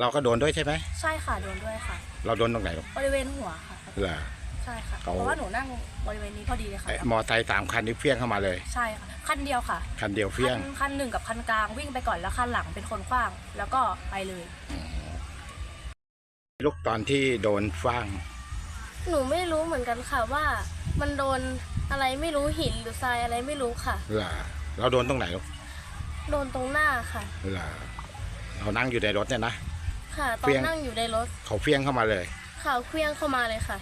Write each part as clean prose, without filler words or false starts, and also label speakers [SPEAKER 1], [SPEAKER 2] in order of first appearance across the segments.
[SPEAKER 1] เราก็โดนด้วยใช่ไหม
[SPEAKER 2] ใช่ค่ะโดนด้วยค่ะ
[SPEAKER 1] เราโดนตรงไหนลูก
[SPEAKER 2] บริเวณหัวค่ะ
[SPEAKER 1] เหรอ
[SPEAKER 2] ใช่ค่ะเพราะว่าหนูนั่งบริเวณนี้พอดีเลยค่ะ
[SPEAKER 1] มอไซค์3 คันนี้เฟี้ยงเข้ามาเลย
[SPEAKER 2] ใช่ค่ะคันเดียวค่ะ
[SPEAKER 1] คันเดียวเฟี้ยง
[SPEAKER 2] คันหนึ่งกับคันกลางวิ่งไปก่อนแล้วคันหลังเป็นคนขว้างแล้วก็ไปเลย
[SPEAKER 1] ลูกตอนที่โดนฟ้าง
[SPEAKER 3] หนูไม่รู้เหมือนกันค่ะว่ามันโดนอะไรไม่รู้หินหรือทรายอะไรไม่รู้ค่ะ
[SPEAKER 1] เหรอเราโดนตรงไหนลูก
[SPEAKER 3] โดนตรงหน้าค่ะ
[SPEAKER 1] เหรอเรานั่งอยู่ในรถเนี่ยนะ
[SPEAKER 3] ค่ะตอนนั่งอยู่ในรถ
[SPEAKER 1] เขาเฟี้ยงเข้ามาเลย
[SPEAKER 3] ข่าวเคลื่องเข้ามาเลยค่ะ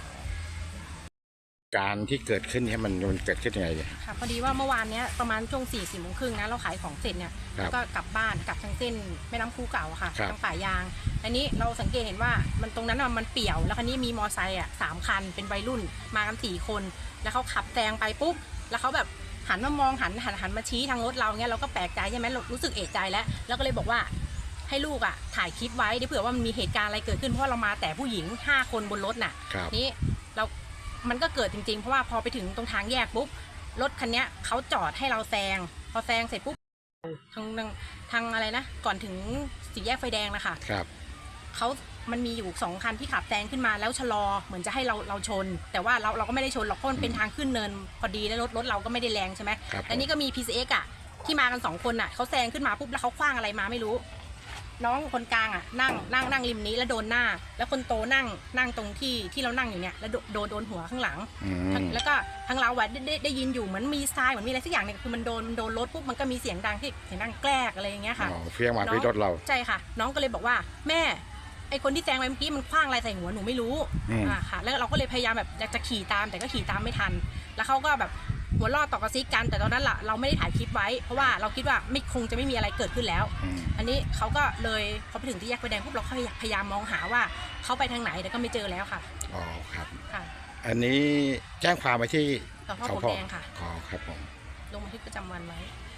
[SPEAKER 1] การที่เกิดขึ้นเนี่ยมันเกิดขึ้นยังไงเนี่ย
[SPEAKER 4] ค่ะพอดีว่าเมื่อวานนี้ประมาณช่วง4 โมงครึ่งนะเราขายของเสร็จเนี่ยแล้วก็กลับบ้านกลับทางเส้นแม่น้ำคูเก่าค่ะทางป่ายางอันนี้เราสังเกตเห็นว่ามันตรงนั้นมันเปี่ยวแล้วคันนี้มีมอไซค์3 คันเป็นวัยรุ่นมากัน4 คนแล้วเขาขับแซงไปปุ๊บแล้วเขาแบบหันมามองหันมาชี้ทางรถเราเงี้ยเราก็แปลกใจใช่ไหมเรารู้สึกเอะใจแล้วก็เลยบอกว่าให้ลูกถ่ายคลิปไว้เผื่อว่ามันมีเหตุการณ์อะไรเกิดขึ้นเพราะเรามาแต่ผู้หญิง5 คนบนรถน่ะนี้มันก็เกิดจริงๆเพราะว่าพอไปถึงตรงทางแยกปุ๊บรถคันนี้เขาจอดให้เราแซงพอแซงเสร็จปุ๊บทางอะไรนะก่อนถึงสี่แยกไฟแดงนะคะมันมีอยู่2 คันที่ขับแซงขึ้นมาแล้วชะลอเหมือนจะให้เราชนแต่ว่าเราก็ไม่ได้ชนหรอกเพราะมันเป็นทางขึ้นเนินพอดีแล้วรถเราก็ไม่ได้แรงใช่ไหมแล้วนี่ก็มี PCX ที่มากัน2 คนเขาแซงขึ้นมาปุ๊บแล้วเขาคว้างอะไรมาไม่รู้น้องคนกลางนั่งริมนี้แล้วโดนหน้าแล้วคนโตนั่งตรงที่เรานั่งอยู่เนี่ยแล้วโดนหัวข้างหลังแล้วก็ทางเราได้ยินอยู่เหมือนมีทรายเหมือนมีอะไรสักอย่างเนี่ยคือมันโดนรถปุ๊บมันก็มีเสียงดังที่เสียงดังแกรกอะไรอย่างเงี้ยค่ะ
[SPEAKER 1] เฟี้ยงมาที่รถเรา
[SPEAKER 4] ใช่ค่ะน้องก็เลยบอกว่าแม่ไอคนที่แซงไปเมื่อกี้มันคว้างอะไรใส่หัวหนูไม่รู้ค่ะแล้วเราก็เลยพยายามแบบอยากจะขี่ตามแต่ก็ขี่ตามไม่ทันแล้วเขาก็แบบหัวล่อต่อกระซิกกันแต่ตอนนั้นเราไม่ได้ถ่ายคลิปไว้เพราะว่าเราคิดว่าคงจะไม่มีอะไรเกิดขึ้นแล้วอันนี้เขาก็เลยพอไปถึงที่แยกไฟแดงปุ๊บเราพยายามมองหาว่าเขาไปทางไหนแต่ก็ไม่เจอแล้วค่ะ
[SPEAKER 1] อ๋อครับ
[SPEAKER 4] ค่ะ
[SPEAKER 1] อันนี้แจ้งความไปที่
[SPEAKER 4] สพ.ปลวกแดงค่ะ
[SPEAKER 1] อ๋อครับผม
[SPEAKER 4] ลงบันทึกประจำวันไว้